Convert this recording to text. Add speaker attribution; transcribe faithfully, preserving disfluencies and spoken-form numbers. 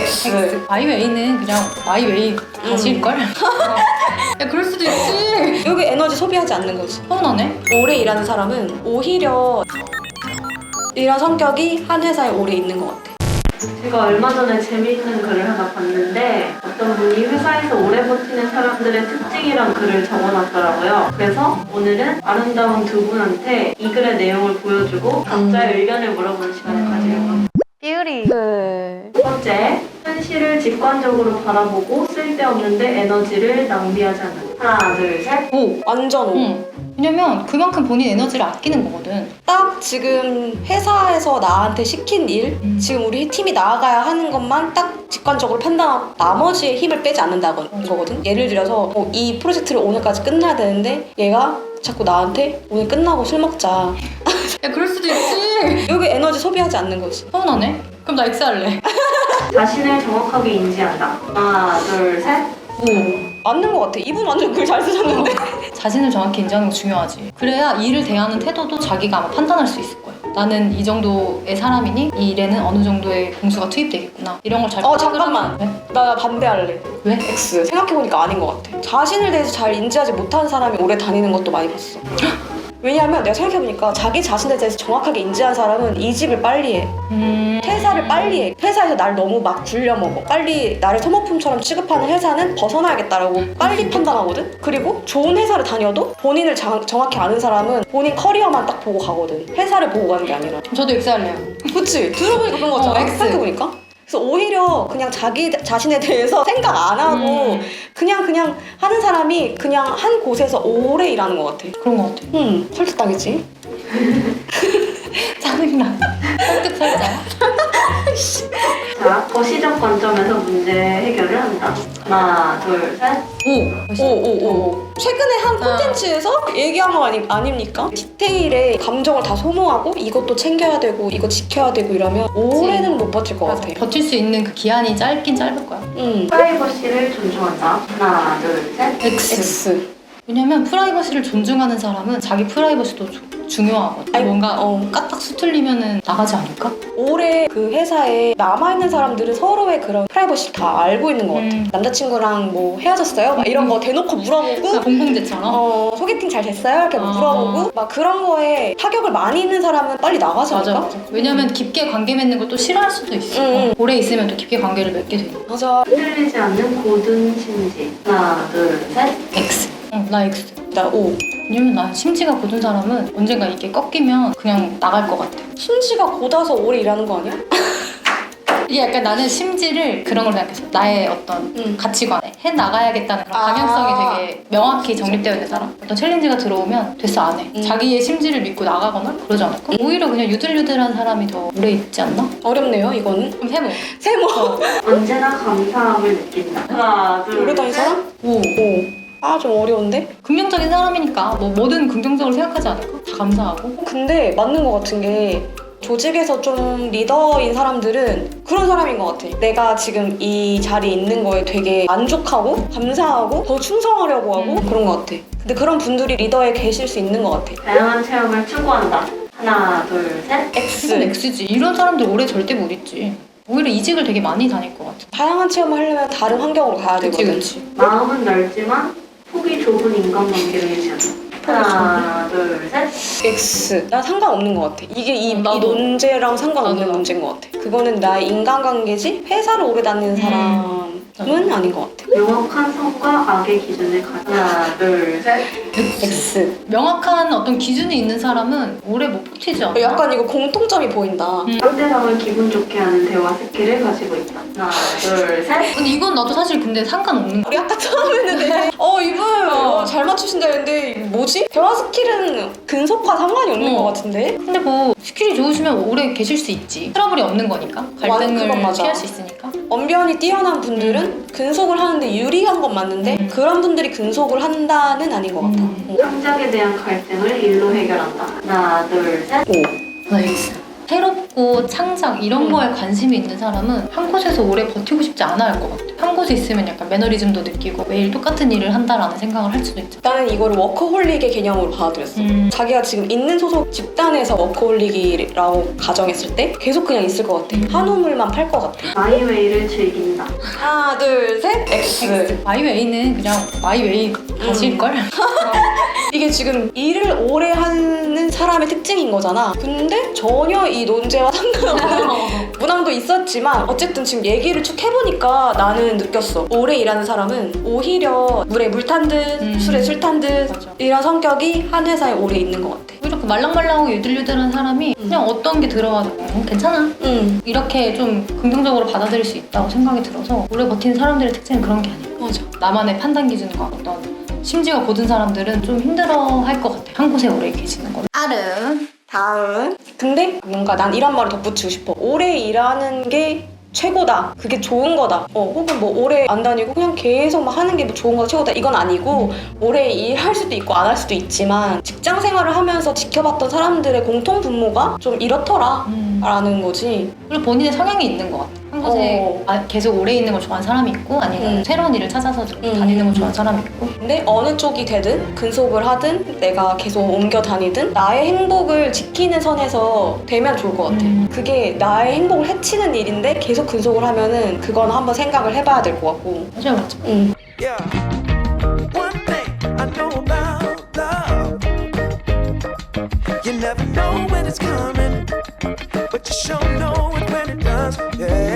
Speaker 1: X.
Speaker 2: 마이 웨이는 그냥 마이 웨이 가실걸? 음. 야 그럴 수도 있지.
Speaker 1: 여기 에너지 소비하지 않는 거지.
Speaker 2: 서운하네.
Speaker 1: 오래 일하는 사람은 오히려 이런 성격이 한 회사에 오래 있는 것 같아.
Speaker 3: 제가 얼마 전에 재미있는 글을 하나 봤는데 어떤 분이 회사에서 오래 버티는 사람들의 특징이란 글을 적어놨더라고요. 그래서 오늘은 아름다운 두 분한테 이 글의 내용을 보여주고 각자의 음. 의견을 물어보는 시간을 가지려고 합니다.
Speaker 1: 뷰리. 그...
Speaker 3: 첫 번째, 현실을 직관적으로 바라보고 쓸데없는데 에너지를 낭비하지 않는. 하나, 둘, 셋.
Speaker 1: 오! 완전 오.
Speaker 2: 응. 왜냐면 그만큼 본인 에너지를 아끼는 거거든.
Speaker 1: 딱 지금 회사에서 나한테 시킨 일,
Speaker 2: 음.
Speaker 1: 지금 우리 팀이 나아가야 하는 것만 딱 직관적으로 판단하고 나머지의 힘을 빼지 않는다는 거거든. 예를 들어서 어, 이 프로젝트를 오늘까지 끝나야 되는데 얘가 자꾸 나한테 오늘 끝나고 술 먹자.
Speaker 2: 야 그럴 수도 있지.
Speaker 1: 여기 에너지 소비하지 않는 거지.
Speaker 2: 서운하네. 그럼 나 X 할래.
Speaker 3: 자신을 정확하게 인지한다. 하나, 둘, 셋.
Speaker 2: 오.
Speaker 1: 맞는 것 같아. 이분 완전 글 잘 쓰셨는데.
Speaker 2: 자신을 정확히 인지하는 거 중요하지. 그래야 일을 대하는 태도도 자기가 아마 판단할 수 있을 거야. 나는 이 정도의 사람이니 이 일에는 어느 정도의 공수가 투입되겠구나. 이런 걸 잘
Speaker 1: 어 잠깐만.
Speaker 2: 왜?
Speaker 1: 나 반대할래.
Speaker 2: 왜?
Speaker 1: X. 생각해보니까 아닌 것 같아. 자신을 대해서 잘 인지하지 못하는 사람이 오래 다니는 것도 많이 봤어. 왜냐하면 내가 생각해보니까 자기 자신에 대해서 정확하게 인지한 사람은 이직을 빨리 해.
Speaker 2: 음...
Speaker 1: 퇴사를 빨리 해. 회사에서 날 너무 막 굴려먹어. 빨리 나를 소모품처럼 취급하는 회사는 벗어나야겠다라고 빨리 판단하거든? 그리고 좋은 회사를 다녀도 본인을 자, 정확히 아는 사람은 본인 커리어만 딱 보고 가거든. 회사를 보고 가는 게 아니라.
Speaker 2: 저도 X 할래요.
Speaker 1: 그치? 들어보니까 그런 거 같잖아.
Speaker 2: 어, X.
Speaker 1: 생각해보니까. 그래서 오히려 그냥 자기 자신에 대해서 생각 안 하고
Speaker 2: 음.
Speaker 1: 그냥 그냥 하는 사람이 그냥 한 곳에서 오래 일하는 것 같아.
Speaker 2: 그런 거 같아.
Speaker 1: 음, 설득당했지?
Speaker 2: 짜증나. 설득 설자.
Speaker 3: 자, 거시적 관점에서 문제 해결을 한다. 하나, 둘, 셋.
Speaker 2: 오.
Speaker 1: 오오오. 최근에 한
Speaker 2: 아.
Speaker 1: 콘텐츠에서 얘기한 거 아니, 아닙니까? 디테일에 감정을 다 소모하고 이것도 챙겨야 되고 이거 지켜야 되고 이러면 오래는 못 버틸 것
Speaker 2: 맞아.
Speaker 1: 같아.
Speaker 2: 버틸 수 있는 그 기한이 짧긴 짧을 거야.
Speaker 1: 음.
Speaker 3: 프라이버시를 존중한다. 하나, 둘, 셋.
Speaker 2: X.
Speaker 1: X.
Speaker 2: 왜냐면 프라이버시를 존중하는 사람은 자기 프라이버시도 조, 중요하거든.
Speaker 1: 아니,
Speaker 2: 뭔가
Speaker 1: 어.
Speaker 2: 까딱 수틀리면은 나가지 않을까?
Speaker 1: 올해 그 회사에 남아있는 사람들은 서로의 그런 프라이버시 다 알고 있는 것 같아.
Speaker 2: 음.
Speaker 1: 남자친구랑 뭐 헤어졌어요? 막 이런 거 대놓고 물어보고
Speaker 2: 공공재처럼.
Speaker 1: 어, 소개팅 잘 됐어요? 이렇게 막
Speaker 2: 어.
Speaker 1: 물어보고 막 그런 거에 타격을 많이 있는 사람은 빨리 나가지
Speaker 2: 맞아,
Speaker 1: 않을까?
Speaker 2: 맞아. 왜냐면 깊게 관계 맺는 걸 또 싫어할 수도 있어.
Speaker 1: 음.
Speaker 2: 오래 있으면 또 깊게 관계를 맺게 되니까.
Speaker 1: 맞아.
Speaker 3: 흔들리지 않는 고든 심지. 하나, 둘, 셋.
Speaker 2: X. 응, 나 X.
Speaker 1: 나 O.
Speaker 2: 왜냐면 나 심지가 굳은 사람은 언젠가 이게 꺾이면 그냥 나갈 것 같아.
Speaker 1: 심지가 곧아서 오래 일하는 거 아니야?
Speaker 2: 이게 약간 나는 심지를 그런 걸 생각했어. 나의 어떤
Speaker 1: 음.
Speaker 2: 가치관에 해 나가야겠다는 그런
Speaker 1: 아.
Speaker 2: 방향성이 되게 명확히 정립되어 있는 사람. 어떤 챌린지가 들어오면 됐어 안 해.
Speaker 1: 음.
Speaker 2: 자기의 심지를 믿고 나가거나 그러지 않을까? 오히려 그냥 유들유들한 사람이 더 오래 있지 않나?
Speaker 1: 어렵네요, 이거는.
Speaker 2: 그럼 세모.
Speaker 1: 세모.
Speaker 3: 언제나 감사함을 느낀다. 하나, 둘,
Speaker 1: 오래 다닌
Speaker 3: 셋.
Speaker 1: 사람?
Speaker 2: 오.
Speaker 1: O. 아, 좀 어려운데?
Speaker 2: 긍정적인 사람이니까 뭐 뭐든 긍정적으로 생각하지 않을까? 다 감사하고.
Speaker 1: 근데 맞는 것 같은 게 조직에서 좀 리더인 사람들은 그런 사람인 것 같아. 내가 지금 이 자리에 있는 거에 되게 만족하고 감사하고 더 충성하려고 하고
Speaker 2: 음.
Speaker 1: 그런 것 같아. 근데 그런 분들이 리더에 계실 수 있는 것 같아.
Speaker 3: 다양한 체험을 추구한다. 하나, 둘, 셋.
Speaker 2: 이건
Speaker 1: X.
Speaker 2: X지. 이런 사람들 오래 절대 못 있지. 오히려 이직을 되게 많이 다닐 것 같아.
Speaker 1: 다양한 체험을 하려면 다른 환경으로 가야
Speaker 2: 그치
Speaker 1: 되거든.
Speaker 2: 그치.
Speaker 3: 마음은 넓지만 폭이 좁은 인간관계를 유지한다. 하나, 둘, 셋.
Speaker 1: X. 나 상관없는 것 같아. 이게 이,
Speaker 2: 음,
Speaker 1: 이
Speaker 2: 나도.
Speaker 1: 논제랑 상관없는
Speaker 2: 나도.
Speaker 1: 문제인 것 같아. 그거는 나의 인간관계지 회사를 오래 다니는 사람은
Speaker 2: 나도.
Speaker 1: 아닌 것 같아.
Speaker 3: 명확한 선과 악의 기준을 가져. 하나, 둘, 셋.
Speaker 1: X.
Speaker 2: 명확한 어떤 기준이 있는 사람은 오래 못 버티지 않나?
Speaker 1: 약간 이거 공통점이 보인다.
Speaker 2: 음.
Speaker 3: 상대방을 기분 좋게 하는 대화 스킬을 가지고 있다. 하나, 둘, 셋.
Speaker 2: 근데 이건 나도 사실 근데 상관없는 거야.
Speaker 1: 우리 아까 처음에는 되게 어 이분 어, 잘 맞추신다 했는데 뭐지? 대화 스킬은 근속과 상관이 없는
Speaker 2: 어.
Speaker 1: 것 같은데?
Speaker 2: 근데 뭐 스킬이 좋으시면 오래 계실 수 있지. 트러블이 없는 거니까. 갈등을
Speaker 1: 그건 맞아.
Speaker 2: 피할 수 있으니까.
Speaker 1: 언변이 뛰어난 분들은 근속을 하는데 유리한 건 맞는데
Speaker 2: 음.
Speaker 1: 그런 분들이 근속을 한다는 아닌 것 같아.
Speaker 2: 음.
Speaker 1: 어.
Speaker 3: 창작에 대한 갈등을 일로 해결한다. 하나, 둘, 셋.
Speaker 1: 오.
Speaker 2: 나 X. 새롭고 창작 이런
Speaker 1: 음.
Speaker 2: 거에 관심이 있는 사람은 한 곳에서 오래 버티고 싶지 않아 할 것 같아. 한 곳에 있으면 약간 매너리즘도 느끼고 매일 똑같은 일을 한다라는 생각을 할 수도 있죠.
Speaker 1: 나는 이거를 워커홀릭의 개념으로 받아들였어.
Speaker 2: 음.
Speaker 1: 자기가 지금 있는 소속 집단에서 워커홀릭이라고 가정했을 때 계속 그냥 있을 것 같아. 한 우물만 팔 것 같아.
Speaker 3: 마이웨이를 즐긴다.
Speaker 1: 하나, 둘, 셋, X.
Speaker 2: 마이웨이는 그냥 마이웨이 가실걸?
Speaker 1: 이게 지금 일을 오래 하는 사람의 특징인 거잖아. 근데 전혀 이 논제와 상관없는 문항도 있었지만 어쨌든 지금 얘기를 쭉 해보니까 나는 느꼈어. 오래 일하는 사람은 오히려 물에 물 탄 듯,
Speaker 2: 음.
Speaker 1: 술에 술 탄 듯
Speaker 2: 맞아.
Speaker 1: 이런 성격이 한 회사에 오래 있는 것 같아.
Speaker 2: 이렇게 말랑말랑하고 유들유들한 사람이 그냥 어떤 게 들어와도 음, 괜찮아.
Speaker 1: 응,
Speaker 2: 이렇게 좀 긍정적으로 받아들일 수 있다고 생각이 들어서 오래 버티는 사람들의 특징은 그런 게 아니야.
Speaker 1: 맞아.
Speaker 2: 나만의 판단 기준과 어떤 심지어 고든 사람들은 좀 힘들어할 것 같아. 한 곳에 오래 계시는 거는.
Speaker 1: 아름. 다음. 근데 뭔가 난 이런 말을 덧붙이고 싶어. 오래 일하는 게 최고다. 그게 좋은 거다. 어, 혹은 뭐 오래 안 다니고 그냥 계속 막 하는 게 뭐 좋은 거다, 최고다. 이건 아니고 오래 일할 수도 있고 안 할 수도 있지만 직장 생활을 하면서 지켜봤던 사람들의 공통 분모가 좀 이렇더라.
Speaker 2: 음.
Speaker 1: 라는 거지.
Speaker 2: 그리고 본인의 성향이 있는 것 같아. 한 곳에
Speaker 1: 어.
Speaker 2: 아, 계속 오래 있는 걸 좋아하는 사람이 있고 아니면
Speaker 1: 음.
Speaker 2: 새로운 일을 찾아서 좀
Speaker 1: 음.
Speaker 2: 다니는 걸 좋아하는 사람이 있고.
Speaker 1: 근데 어느 쪽이 되든 근속을 하든 내가 계속 옮겨 다니든 나의 행복을 지키는 선에서 되면 좋을 것 같아.
Speaker 2: 음.
Speaker 1: 그게 나의 행복을 해치는 일인데 계속 근속을 하면은 그건 한번 생각을 해봐야 될 것 같고.
Speaker 2: 맞아요, 맞아.
Speaker 1: 응.
Speaker 4: Yeah. One thing I know about love, you never know when it's coming, but you sure know it when it does. Yeah.